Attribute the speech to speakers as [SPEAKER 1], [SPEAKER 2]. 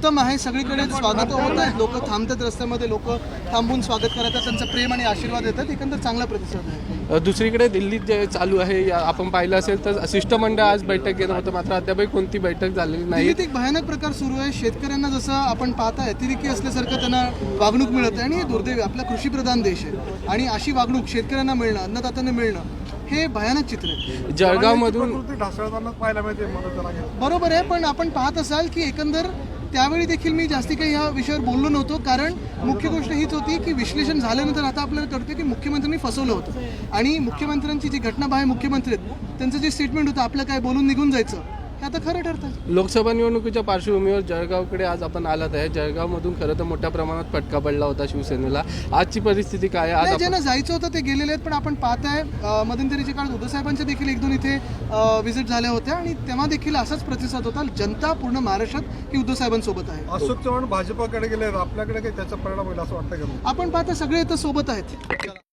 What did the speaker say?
[SPEAKER 1] उत्तम आहे, सगळीकडे स्वागत होत आहे, लोक थांबतात रस्त्यामध्ये, लोक थांबून स्वागत करतात, त्यांचा प्रेम आणि आशीर्वाद देतात, एकंदर चांगला प्रतिसाद आहे.
[SPEAKER 2] दुसरीकडे दिल्लीत जे चालू आहे आपण पाहिलं असेल तर शिष्टमंडळ आज बैठक घेणं होतं, मात्र अद्यापही कोणती बैठक झालेली नाही.
[SPEAKER 1] दिल्लीत एक भयानक प्रकार सुरू आहे. शेतकऱ्यांना जसं आपण पाहताय अतिरेकी असल्यासारखं त्यांना वागणूक मिळत आहे आणि हे दुर्दैवी, आपला कृषीप्रधान देश आहे आणि अशी वागणूक शेतकऱ्यांना मिळणं, अन्नदात्यांना मिळणं हे भयानक चित्र आहे.
[SPEAKER 2] जळगावमधून
[SPEAKER 3] पाहायला मिळते.
[SPEAKER 1] बरोबर आहे, पण आपण पाहत असाल की एकंदर त्यावेळी देखील मी जास्ती काही या विषयावर बोललो नव्हतो, कारण मुख्य गोष्ट हीच होती की विश्लेषण झाल्यानंतर आता आपल्याला कळतं की मुख्यमंत्र्यांनी फसवलं होतं आणि मुख्यमंत्र्यांची जी घटनाबाह्य मुख्यमंत्री आहेत त्यांचं जे स्टेटमेंट होतं आपलं काय बोलून निघून जायचं, हे आता खरं ठरतं.
[SPEAKER 2] लोकसभा निवडणुकीच्या पार्श्वभूमीवर जळगावकडे आज आपण आलात आहे. जळगावमधून खरं तर मोठ्या प्रमाणात फटका पडला होता शिवसेनेला. आजची परिस्थिती काय आहे? आज
[SPEAKER 1] ज्यांना जायचं होतं ते गेलेले आहेत, पण आपण पाहताय मध्यंतरीच्या काळात उद्धवसाहेबांच्या देखील एक दोन इथे व्हिजिट झाल्या होत्या आणि तेव्हा देखील असाच प्रतिसाद होता. जनता पूर्ण महाराष्ट्रात ही उद्धवसाहेबांसोबत आहे.
[SPEAKER 3] अशोक चव्हाण भाजपाकडे गेले, आपल्याकडे काही त्याचा परिणाम होईल असं वाटतं का?
[SPEAKER 1] आपण पाहता सगळे इथं सोबत आहेत.